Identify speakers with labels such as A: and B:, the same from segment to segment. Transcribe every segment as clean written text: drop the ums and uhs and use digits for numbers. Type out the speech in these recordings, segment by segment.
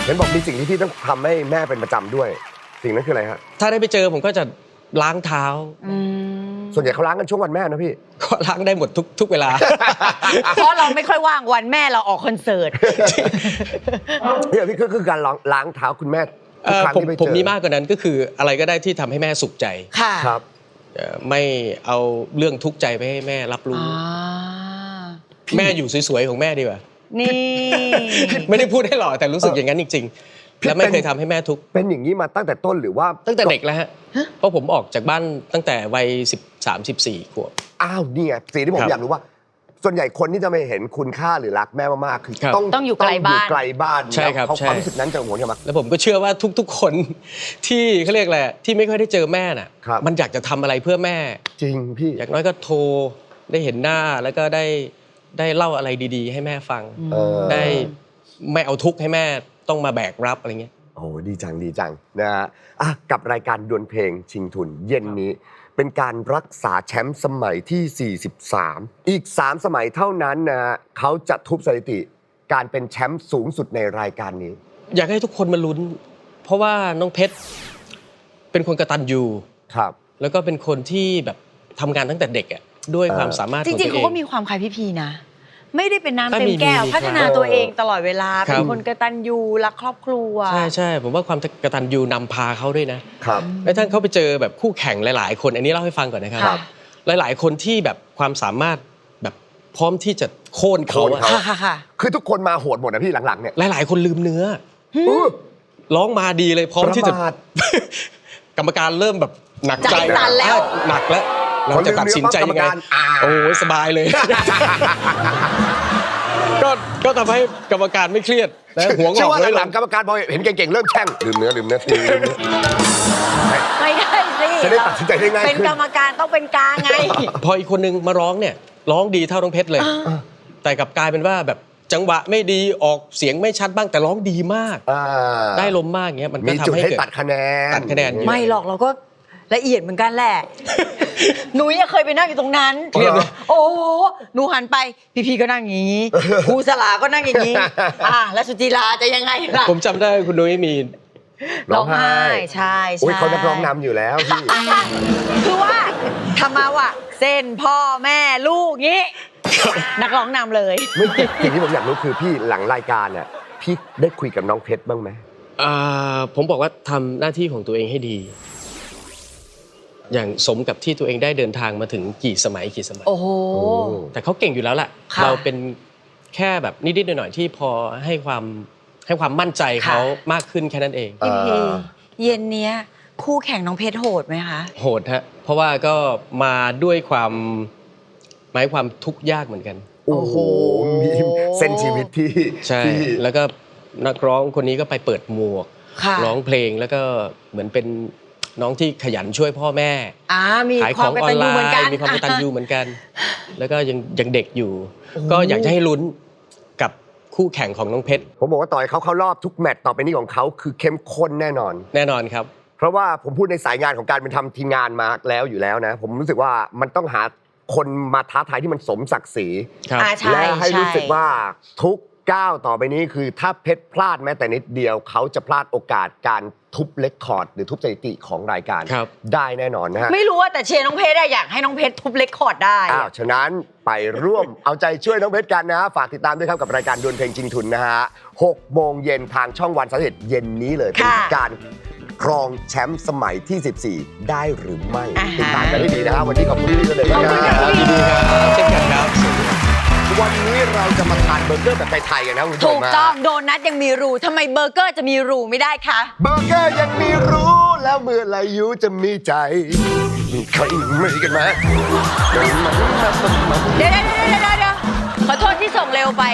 A: เห็นบอกมีสิ่งที่พี่ต้องทำให้แม่เป็นประจำด้วยสิ่งนั้นคืออะไรฮะ
B: ถ้าได้ไปเจอผมก็จะล้างเท้า
A: ส่วนใหญ่เขาล้างกันช่วงวันแม่นะพี่
B: ก็ล้างได้หมดทุกเวลา
C: เพราะเราไม่ค่อยว่างวันแม่เราออกคอนเสิร์ต
A: พี่คือการล้างเท้าคุณแม่ทุกครั้งที่ไปเจอ
B: ผมมีมากกว่านั้นก็คืออะไรก็ได้ที่ทำให้แม่สุขใจ
C: ค่ะ
A: ครับ
B: ไม่เอาเรื่องทุกข์ใจไปให้แม่รับรู้แม่อยู่สวยๆของแม่ดีกว่า
C: นี่
B: ไม่ได้พูดให้หล่อแต่รู้สึกอย่างนั้นจริงๆและไม่เคยทำให้แม่ทุกข์
A: เป็นอย่างนี้มาตั้งแต่ต้นหรือว่า
B: ตั้งแต่เด็กแล้วฮะเพราะผมออกจากบ้านตั้งแต่วัย13-14 ขวบ
A: อ้าวนี่ไงสิ่งที่ผมอยากรู้ว่าส่วนใหญ่คนที่จะไม่เห็นคุณค่าหรือรักแม่มากๆคือ
C: ต้องอยู่ไกลบ้าน
B: ใช่ครับ
A: ความรู้สึกนั้นจะโหนกันมา
B: แล้วผมก็เชื่อว่าทุกๆคนที่เขาเรียกอะไรที่ไม่ค่อยได้เจอแม่น่ะมันอยากจะทำอะไรเพื่อแม่
A: จริงพี่
B: อย่างน้อยก็โทรได้เห็นหน้าแล้วก็ได้เล่าอะไรดีๆให้แม่ฟังได้ไม่เอาทุกข์ให้แม่ต้องมาแบกรับอะไรเงี้ย
A: โอ้ดีจังนะฮะกับรายการดวลเพลงชิงทุนเย็นนี้เป็นการรักษาแชมป์สมัยที่43อีก3สมัยเท่านั้นนะเขาจะทุบสถิติการเป็นแชมป์สูงสุดในรายการนี้
B: อยากให้ทุกคนมาลุ้นเพราะว่าน้องเพชรเป็นคนกตัญญู
A: ครับ
B: แล้วก็เป็นคนที่แบบทำงานตั้งแต่เด็กอ่ะด้วยความสามารถ
C: จริงๆเขาก็มีความคล้ายพี่นะไม่ได้เป็นน้ำเต็มแก้วพัฒนาตัวเองตลอดเวลาเป็นคนกตัญญูรักครอบครัว
B: ใช่ผมว่าความกตัญญูนำพาเขาด้วยนะครับแล้วท่านเขาไปเจอแบบคู่แข่งหลายๆคนอันนี้เล่าให้ฟังก่อนนะครับหลายๆคนที่แบบความสามารถแบบพร้อมที่จะโค่นเขา
C: ค่ะ
A: คือทุกคนมาโหดหมดนะพี่หลังๆเนี่ย
B: หลายๆคนลืมเนื้อร้องมาดีเลยพร้อมที่จะกรรมการเริ่มแบบหนักใจแล้วหนักแล้วเราจะตัดสินใจยังไงโอ้ยสบายเลยก็ทำให้กรรมการไม่เครียดและหัวงอกเลย
A: หลังกรรมการพอเห็นเก่งๆเริ่มแช่งลืมเนื้อ
C: ไม่ได้สิ
A: จะได้ตัดสินใจได้ง่าย
C: เป็นกรรมการต้องเป็นกลางไง
B: พออีกคนนึงมาร้องเนี่ยร้องดีเท่าน้องเพชรเลยแต่กลับกลายเป็นว่าแบบจังหวะไม่ดีออกเสียงไม่ชัดบ้างแต่ร้องดีมากได้ลมมากเงี้ยมันก็ทำให้เกิด
A: ตัดคะแนน
C: ไม่หรอกเราก็ละเอียดเหมือนกันแหละหนูเคยไปนั่งอยู่ตรงนั้นโอ้หนูหันไปพี่ก็นั่งอย่างนี้ครูสลาก็นั่งอย่างนี้แล้วสุจิราจะยังไงล่ะ
B: ผมจำได้คุณนุ้ยมี
C: ร้องไห้ใช่
A: เขานักร้องนำอยู่แล้วพี่
C: คือว่าทำมาว่าเส้นพ่อแม่ลูกงี้นักร้องนำเลย
A: สิ่งที่ผมอยากรู้คือพี่หลังรายการเนี่ยพี่ได้คุยกับน้องเพชรบ้างไหม
B: ผมบอกว่าทำหน้าที่ของตัวเองให้ดีอย่างสมกับที่ตัวเองได้เดินทางมาถึงกี่สมัย
C: โอ้โห
B: แต่เขาเก่งอยู่แล้วแหละเราเป็นแค่แบบนิดๆหน่อยๆที่พอให้ความมั่นใจเขามากขึ้นแค่นั้นเอง
C: พี่เย็นเนี้ยคู่แข่งน้องเพชรโหดไหมคะ
B: โหดฮะเพราะว่าก็มาด้วยความทุกข์ยากเหมือนกัน
A: โอ้โหมีเส้นชีวิตที่
B: ใช่แล้วก็นักร้องคนนี้ก็ไปเปิดหมวกร้องเพลงแล้วก็เหมือนเป็นน้องที่ขยันช่วยพ่อแม่
C: ขายของออนไลน์
B: มีความกตัญญูเหมือนกันแล้วก็ยังเด็กอยู่ก็อยากจะให้ลุ้นกับคู่แข่งของน้องเพชร
A: ผมบอกว่าต่อยเขาเข้ารอบทุกแมตช์ต่อไปนี้ของเขาคือเข้มข้นแน่นอน
B: ครับ
A: เพราะว่าผมพูดในสายงานของการเป็นทำทีมงานมาแล้วอยู่แล้วนะผมรู้สึกว่ามันต้องหาคนมาท้าทายที่มันสมศักดิ์ศรีและให้รู้สึกว่าทุกก้าวต่อไปนี้คือถ้าเพชรพลาดแม้แต่นิดเดียวเขาจะพลาดโอกาสการทุบเรคคอร์ดหรือทุบสถิติของรายการได้แน่นอนนะฮะ
C: ไม่รู้ว่าแต่เชียร์น้องเพชรอยากให้น้องเพชรทุบเรคคอร์ดได้
A: ฉะนั้นไปร่วมเอาใจช่วยน้องเพชรกันนะฝากติดตามด้วยครับกับรายการดวลเพลงชิงทุนนะฮะ 6 โมงเย็นทางช่องวัน31เย็นนี้เลยเป็นการครองแชมป์สมัยที่14ได้หรือไม่ติดตามกันให้ดีนะฮะวันนี้ขอบคุณพี่เลยนะครับ
B: เช่นกันครับ
A: วันนี้เราจะมาทานเบอร์เกอร์แบบไทยๆกันนะคุณผู้ชม
C: ถูกต้องโดนัทยังมีรูทำไมเบอร์เกอร์จะมีรูไม่ได้คะ
A: เบอร์เกอร์ยังมีรูแล้วเมื่อไรยูจะมีใจมีใครไม่กันไหม
C: เดี๋ยวขอโทษที่ส่งเร็วไป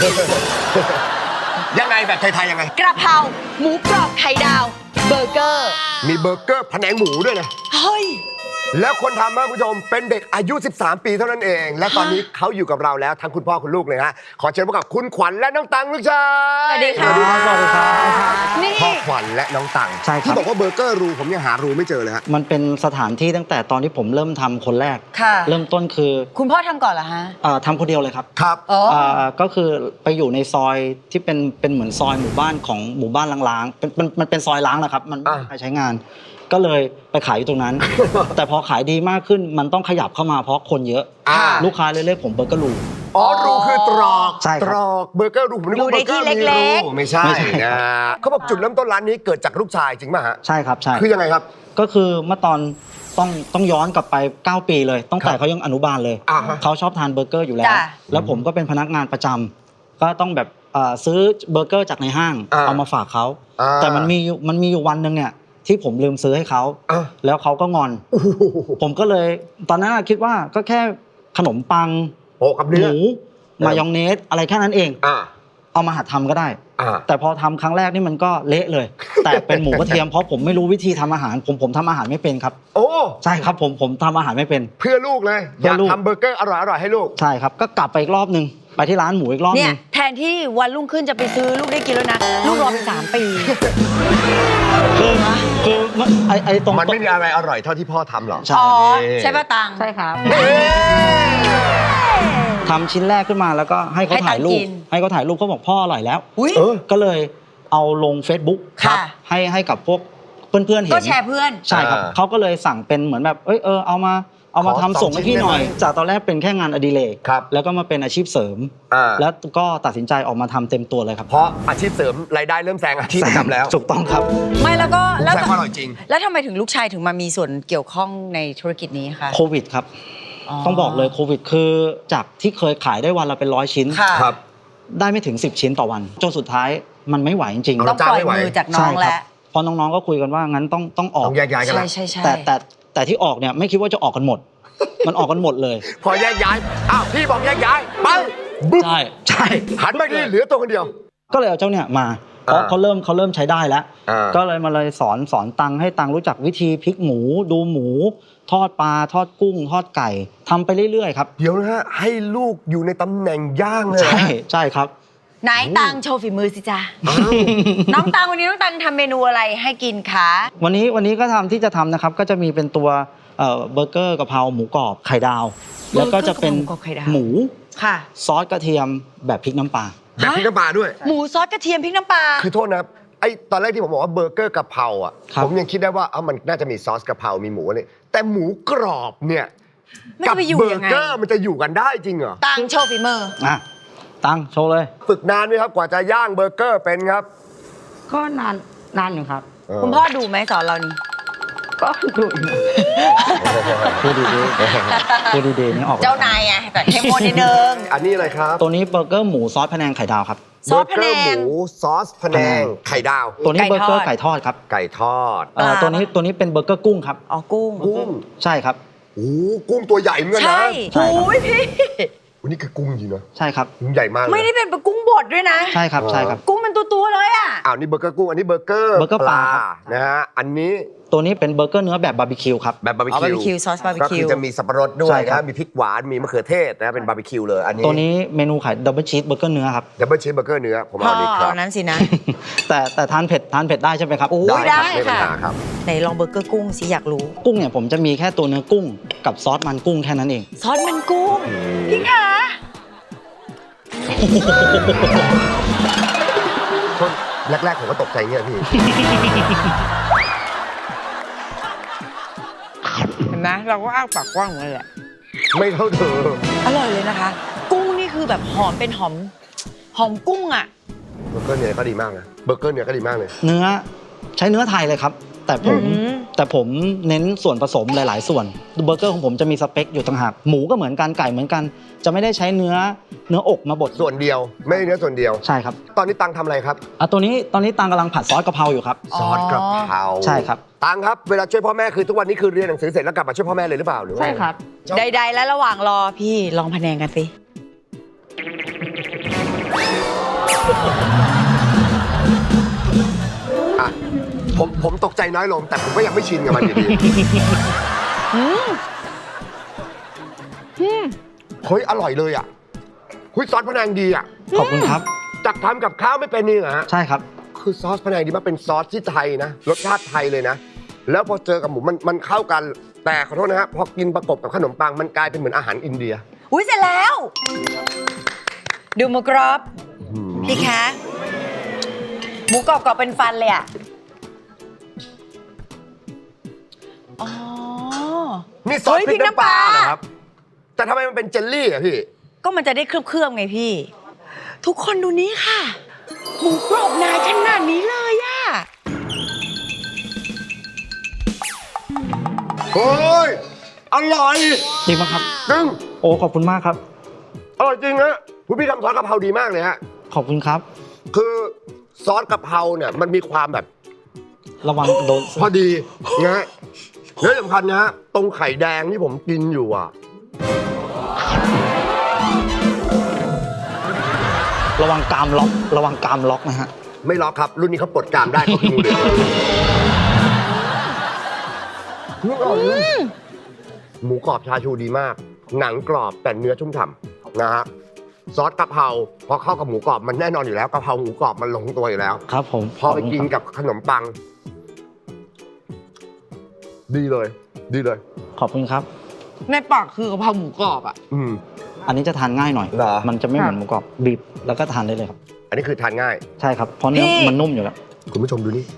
A: ยังไงแบบไทยๆยังไง
C: กระเพราหมูกรอบไข่ดาวเบอร์เกอร์
A: มีเบอร์เกอร์แผนงหมูด้วยนะ
C: เฮ้ย
A: แล้วคนทำนะคุณผู้ชมเป็นเด็กอายุ 13 ปีเท่านั้นเอง และตอนนี้เขาอยู่กับเราแล้วทั้งคุณพ่อคุณลูกเลยฮะขอเชิญพบกับคุณขวัญและน้องตังลูกชาย
C: สวัสดีค่ะ
D: สวัสดีครับ
C: นี่
A: พ่อขวัญและน้องตัง
D: ใช่ครับ
A: ที่บอกว่าเบอร์เกอร์รูผมยังหารูไม่เจอเลยฮะ
D: มันเป็นสถานที่ตั้งแต่ตอนที่ผมเริ่มทำคนแรก
C: ค่ะ
D: เริ่มต้นคือ
C: คุณพ่อทำก่อนเหรอฮะ
D: ทำคนเดียวเลยครับ
A: ครับ
C: อ๋อ
D: ก็คือไปอยู่ในซอยที่เป็นเหมือนซอยหมู่บ้านของหมู่บ้านล้างๆมันเป็นซอยล้างนะครับมันไม่มีใครใช้งาน ก็เลยไปขายอยู่ตรงนั้น แต่พอขายดีมากขึ้นมันต้องขยับเข้ามาเพราะคนเยอะ ลูกค้าเลยเรียกผมเบอร์เกอร์ลู
A: อ๋อรูคือตรอก
D: ใช่ครับ
A: ตรอกเบอร์เกอร์รูผมนึกว่า
C: รูใน
A: เบอร์เกอร์
C: ที่
A: มี
C: เล็
A: รู
C: ก
A: ไม่ใช่
D: ไม่ใช่
A: นะเขาบอกจุดเริ่มต้นร้านนี้เกิดจากลูกชายจริงป่ะฮะ
D: ใช่ครับใช่
A: คือยังไงครับ
D: ก็คือเมื่อตอนต้องย้อนกลับไป 9 ปีเลยตั้งแต่เขายังอนุบาลเลย
A: อ่าฮะ
D: เขาชอบทานเบอร์เกอร์อยู่แล้ว
C: จ้ะ
D: แล้วผมก็เป็นพนักงานประจำก็ต้องแบบซื้อเบอร์เกอร์จากในห้างเอามาฝากเขา แต่มันมีอยู่วันหนึ่งเนี่ยที่ผมลืมซื้อให้เขา แล้วเขาก็งอน ผมก็เลยตอนนั้นคิดว่าก็แค่ขนมปัง
A: โอ้กับ
D: ห
A: เนื้อ
D: มูมายองเนสอะไรแค่นั้นเอง เอามาหัดทำก็ได้ แต่พอทำครั้งแรกนี่มันก็เละเลย แต่เป็นหมูกระเทียมเพราะผมไม่รู้วิธีทำอาหารผมทำอาหารไม่เป็นครับ
A: โอ้
D: ใช่ครับผมทำอาหารไม่เป็น
A: เพื่อลูกเลยอ
D: เพื่
A: ยา
D: อก ลูก
A: ทำเบอร์เกอร์อร่อยๆให้ลูก
D: ใช่ครับก็กลับไปอีกรอบนึงไปที่ร้านหมูอีกรอบ
C: เนี่
D: นึ
C: ย
D: ง
C: แทนที่วันรุ่งขึ้นจะไปซื้อลูกได้กินแล้วนะ ลูกรอไป3 ปี
D: คือไอ้ตรง
A: มันไม่มีอะไรอร่อยเท่าที่พ่อทำหรอก
D: ใช่
C: อ๋อ ใช่ป่ะตัง
E: ใช่ครับ
D: ทำชิ้นแรกขึ้นมาแล้วก็ให้เขาถ่ายรู
C: ให้ตังค์กิ
D: ป
C: น
D: ให้เขาถ่ายรูปเขาบอกพ่ออร่อยแล้ว
C: อุ้ย
D: ก็เลยเอาลง Facebook
C: ค่ะ
D: ให้กับพวกเพื่อนๆเห็น
C: ก็แชร์เพื่อน
D: ใช่ครับเขาก็เลยสั่งเป็นเหมือนแบบเอามาทำส่งให้พี่หน่อย จากตอนแรกเป็นแค่งานอดิเรก
A: ครับ
D: แล้วก็มาเป็นอาชีพเสริม แล้วก็ตัดสินใจออกมาทำเต็มตัวเลยครับ
A: เพราะอาชีพเสริมรายได้เริ่มแซงอาชีพประจำแล้ว
D: ถูกต้องครับ
C: ไม่แล้วก็
A: แซงว่าอร่อยจริง
C: แล้วทำไมถึงลูกชายถึงมามีส่วนเกี่ยวข้องในธุรกิจนี้คะ
D: โควิดครับ ต้องบอกเลยโควิดคือจากที่เคยขายได้วันละเป็น100 ชิ้น
C: ค่ะ
A: ครับ
D: ได้ไม่ถึง10 ชิ้นต่อวัน จนสุดท้ายมันไม่ไหวจริง
A: เอา
C: ต้องปล่อยมือจากน้อง
D: ใช่ค
C: แล้
D: รั
C: ว
D: พอน้องๆก็คุยกันว่างั้นต้องออก
A: ต้องแยกย้ายกัน
C: ใช่
A: แล้ว
C: ใช่ใช่
D: แต่ที่ออกเนี่ยไม่คิดว่าจะออกกันหมด มันออกกันหมดเลย
A: พอแยกย้ายอ้าวพี่บอกแยกย้ายปังบึ้ม
D: ใช่
A: หันไปดีเหลือตัวคนเดียว
D: ก็เลยเอาเจ้าเนี่ยมาเพราะเขาเริ่มใช้ได้แล้ว ก็เลยมาเลยสอนตังให้ตังรู้จักวิธีพลิกหมูดูหมู ทอดปลาทอดกุ้ง ทอดไก่ทำไปเรื่อยๆครับ
A: เดี๋ยวนะฮะให้ลูกอยู่ในตำแหน่งย่างเลย
D: ใช่ครับ
C: ไหนตังโชว์ฝีมือสิจ๊ะ น้องตังวันนี้น้องตังทำเมนูอะไรให้กินคะ
D: วันนี้ก็ที่จะทำนะครับก็จะมีเป็นตัวเบอร์เกอร์กะเพราหมูกรอบไข่ดาว แล้วก็จะเป็น
C: เบอร์เกอร์กะเพราหมูกรอบไข่ดาว
D: หมู
C: ค่ะ
D: ซอสกระเทียมแบบพริกน้ำปลา
A: แบบพริกน้ำปลาด้วย
C: หมูซอสกระเทียมพริกน้ำปลา
A: คือโทษนะครับไอ้ตอนแรกที่ผมบอกว่าเบอร์เกอร์กะเพราอ่ะ
D: ครับ
A: ผมยังคิดได้ว่ามันน่าจะมีซอสกะเพรามีหมูอะไรแต่หมูกรอบเนี่ย
C: มัน
A: กั
C: จะไปอยู่
A: เบอ
C: ยัง
A: ร์
C: ไง
A: เกอร์มันจะอยู่กันได้จริงเหรอ
C: ตังโชว์ฝีมือ
D: ตังโชว์เลย
A: ฝึกนานไหมครับกว่าจะย่างเบอร์เกอร์เป็นครับ
E: ก็นานอยู่ครับ
C: คุณพ่อดูไหมสอนเรานี่
E: ก็ดูอยู่
D: พูดดีๆพูดดีๆนี่ออก
C: เจ้านายไงแต่เข้มข้นนิดนึง
A: อันนี้อะไรครับ
D: ตัวนี้เบอร์เกอร์หมูซอสพะแนงไข่ดาวครับ
C: ซอสพะแนง
A: เบอร์เกอร์หมูซอสพะแนงไข่ดาว
D: ตัวนี้
C: ไก่
D: เบอร์เกอร์
C: ทอด
D: ไก่ทอดครับ
A: ไก่ทอด
C: ปลา
D: ตัวนี้เป็นเบอร์เกอร์กุ้งครับ
C: อ๋อกุ้ง
A: กุ้ง
D: ใช่ครับ
A: โอ้โหกุ้งตัวใหญ่เหมือนกันนะ
C: ใช่
D: ใช่ครับ
C: โอ้ยพี่
A: วันนี้คือกุ้งจริงนะ
D: ใช่ครับ
A: กุ้งใหญ่มากเลย
C: ไม่ได้เป็นปลากุ้งบดด้วยนะ
D: ใช่ครับใช่ครับ
C: กุ้งเป็นตัวๆเลยอ่ะ
A: อ้าวนี่เบอร์เกอร์กุ้งอันนี้เบอร์เกอร์
D: เบอร์เกอร์ปลาครับ
A: นะฮะอันนี้
D: ตัวนี้เป็นเบอร์เกอร์เนื้อแบบบาร์บีคิวครับ
A: แบบบาร์บี
C: อ๋อบาร์บีคิ
A: คิ
C: ว
A: ว
C: ซอสบาร์บี
A: ก็
C: คิ
A: คือ
C: ว
A: จะมีสับปะรดด้ว
D: ใช่
A: ย
D: ครับ
A: นะมีพริกหวานมีมะเขือเทศนะเป็นบาร์บีคิวเลยอันนี้
D: ตัวนี้เมนูขายดับเบิลชีสเบอร์เกอร์เนื้อครับ
A: ดับเบิลชีสเบอร์เกอร์เนื้อผม
C: พ่อ
A: เอาดีครั
C: เอา
A: บ
C: นั้นสินะ
D: แต่ทานเผ็ดได้ใช่ไหมครับ
C: โอ้ย
A: ได้
C: ได้
A: ครับไม่มีปัญ
C: ค่ะ
A: หาครับ
C: ไหนลองเบอร์เกอร์กุ้งสิอยากรู้
D: กุ้งเนี่ยผมจะมีแค่ตัวเนื้อกุ้งกับซอสมันกุ้งแค่นั้นเอง
C: ซอสมันกุ้งพี่คะ
A: คนแรกๆผมก็ตกใจเงี้ยพี่
C: เห็นไหมเราก็อ้าปากกว้างเหมือนกันแหละ
A: ไม่เท่าเธอ
C: อร่อยเลยนะคะ กุ้งนี่คือแบบหอมเป็นหอมกุ้งอ่ะ
A: เบอร์เกอร์เนื้อก็ดีมากนะเบอร์เกอร์เนื้อก็ดีมากเลย
D: เนื้อใช้เนื้อไทยเลยครับ แต่ผมเน้นส่วนผสมหลาย ๆ ส่วนเบอร์เกอร์ของผมจะมีสเปคอยู่ต่างหากหมูก็เหมือนกันไก่เหมือนกัน จะไม่ได้ใช้เนื้ออกมาบด
A: ส่วนเดียวไม่ได้เนื้อส่วนเดียว
D: ใช่ครับ
A: ตอนนี้ตังทำอะไรครับ
D: ตอนนี้ตังกำลังผัดซอสกะเพราอยู่ครับ
C: อ๋อ
A: ซอสกระเพรา
D: ใช่ครับ
A: ตังครับเวลาช่วยพ่อแม่คือทุกวันนี้คือเรียนหนังสือเสร็จแล้วกลับมาช่วยพ่อแม่เลยหรือเปล่าหรือว่า
E: ใช่ครับ
C: ใดๆแล้วระหว่างรอพี่ลองพะแนงกันสิ
A: อ่ะผมตกใจน้อยลงแต่ผมก็ยังไม่ชินกับมันอยู่ดีเฮ้ยอร่อยเลยอ่ะคุยซอสพะแนงดีอ่ะ
D: ขอบคุณครับ
A: จากทำกับข้าวไม่เป็นนี่เหรอฮะ
D: ใช่ครับ
A: คือซอสพะแนงดีมากเป็นซอสที่ไทยนะรสชาติไทยเลยนะ แล้วพอเจอกับหมูมันเข้ากันแต่ขอโทษนะฮะพอกินประกบกับขนมปังมันกลายเป็นเหมือนอาหารอินเดีย
C: อุ้ยเสร็จแล้ว ดูหมูกรอบพี่คะหมูกรอบกรอบเป็นฟันเลยอ่ะอ๋อ
A: นี่ซอส
C: เฮ้ย
A: พริกน้ำปลา
C: พริกน้ำปลา
A: เหรอครับแต่ทำไมมันเป็นเจลลี่อ่ะพี่
C: ก็มันจะได้เคลือบๆไงพี่ ทุกคนดูนี้ค่ะ หมูกรอบนายขนาดนี้เลยอะ
A: เฮ้ยอร่อย
D: จริงปะครับ
A: จริง
D: โอ้ขอบคุณมากครับ
A: อร่อยจริงฮะคุณพี่ทำซอสกะเพราดีมากเลยฮะ
D: ขอบคุณครับ
A: คือซอสกะเพราเนี่ยมันมีความแบบ
D: ระวังโดน
A: พอดีนะฮะและสำคัญนะฮะตรงไข่แดงที่ผมกินอยู่อ่ะ
D: ระวังกรามล็อก ระวังกรามล็อกนะฮะ
A: ไม่ล็อกครับ รุ่นนี้เขาปลดกรามได้เขาคืองูเหลือมหมูกรอบชาชูดีมาก หนังกรอบแต่เนื้อชุ่มฉ่ำนะฮะซอสกะเพราพอเข้ากับหมูกรอบมันแน่นอนอยู่แล้วกะเพราหมูกรอบมันลงตัวอยู่แล้ว
D: ครับผม
A: พอไปกินกับขนมปัง ดีเลย ดีเลย
D: ขอบคุณครับ
C: ในปากคือกะเพราหมูกรอบอะ
A: อืม
D: อันนี้จะทานง่ายหน่อย
A: เหรอ
D: มันจะไม่เหมือนหมูกรอบบีบแล้วก็ทานได้เลยครับ
A: อันนี้คือทานง่าย
D: ใช่ครับ เพราะเนื้อมันนุ่มอยู่แล้ว
A: คุณผู้ชมดูนี่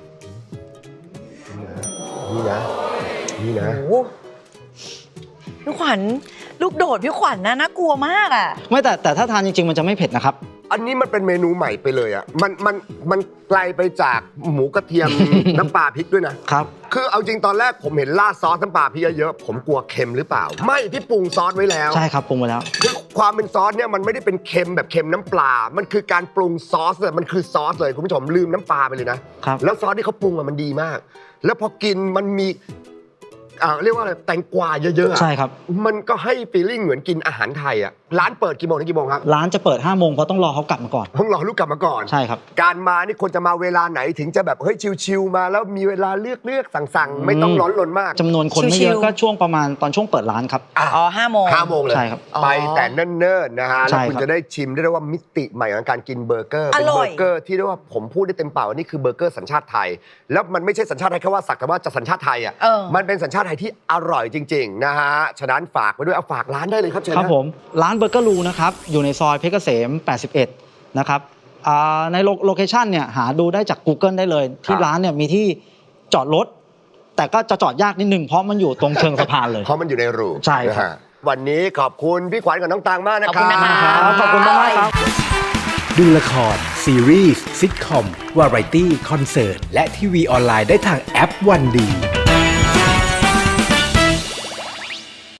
A: นี่นะนี่นะ
C: โอ้โหพี่ขวัญลูกโดดพี่ขวัญน่ากลัวมากอะ
D: ไม่แต่ถ้าทานจริงๆ มันจะไม่เผ็ดนะครับ
A: อันนี้มันเป็นเมนูใหม่ไปเลยอ่ะมันไกลไปจากหมูกระเทียม น้ำปลาพริกด้วยนะครับ คือเอาจริงตอนแรกผมเห็นราดซอสน้ำปลาพริกเยอะๆผมกลัวเค็มหรือเปล่า ไม่พี่ปรุงซอสไว้แล้ว
D: ใช่ครับปรุงไปแล้ว
A: คือความเป็นซอสเนี่ยมันไม่ได้เป็นเค็มแบบเค็มน้ำปลา มันคือการปรุงซอสเลยมันคือซอสเลยคุณผู้ชมลืมน้ำปลาไปเลยนะครับ แล้วซอสที่เขาปรุงอะมันดีมาก แล้วพอกินมันมีเรียกว่าอะไรแตงกวาเยอะๆอะ
D: ใช่ครับ
A: มันก็ให้ฟีลลิ่งเหมือนกินอาหารไทยอ่ะร้านเปิดกี่โมงถึงกี่โมงครับ
D: ร้านจะเปิด5 โมงเพราะต้องรอเขากลับมาก่อน
A: ต้องรอลูกกลับมาก่อน
D: ใช่ครับ
A: การมานี่คนจะมาเวลาไหนถึงจะแบบเฮ้ยชิวๆมาแล้วมีเวลาเลือกสั่งๆไม่ต้องร้อนรนมาก
D: จำนวนคนไม่เยอะก็ช่วงประมาณตอนช่วงเปิดร้านครับ
C: อ๋อ5 โมง
A: 5 โมงเลย
D: ใช่ครับ
A: ไปแต่เนิ่นๆนะฮะ
D: ใช่
A: แล้วคุณ
D: ครับ
A: จะได้ชิมได้ว่ามิติใหม่ของการกินเบอร์เกอร์
C: อ
A: เป็น
C: ร่
A: เบ
C: อ
A: อย ร์เกอร์ที่เรียกว่าผมพูดได้เต็มปากว่านี่คือเบอร์เกอร์สัญชาติไทย แล้วมันไม่ใช่สัญชาติไทยแค่ว่าสักแต่ว่าจะสัญชาติไทยอ่ะ มันเป็นสัญชาติไทยที่อร่อยจริงๆนะฮะฉะนั้นฝากไว้ด้วยเอาฝากร้านได้เลยครับเชิญ
D: ครับ
A: นะ
D: ผมร้านเบอร์เกอร์ลูนะครับอยู่ในซอยเพชรเกษม 81 นะครับในโลเคชันเนี่ยหาดูได้จาก Google ได้เลย ที่ร้านเนี่ยมีที่จอดรถ แต่ก็จะจอดยากนิดนึงเพราะมันอยู่ตรงเชิงสะพานเลย
A: เพราะมันอยู่ในรู
D: ใช่ครับ
A: นะฮะวันนี้ขอบคุณพี่ขวัญกับน้องตังมากนะค
C: ขอบ
A: รั
C: คุณนะคะ
D: ขอบคุณมากๆครับ
F: ดูละคร ซีรีส์ซิทคอม วาไรตี้ คอนเสิร์ต และทีวีออนไลน์ได้ทางแอปวันดี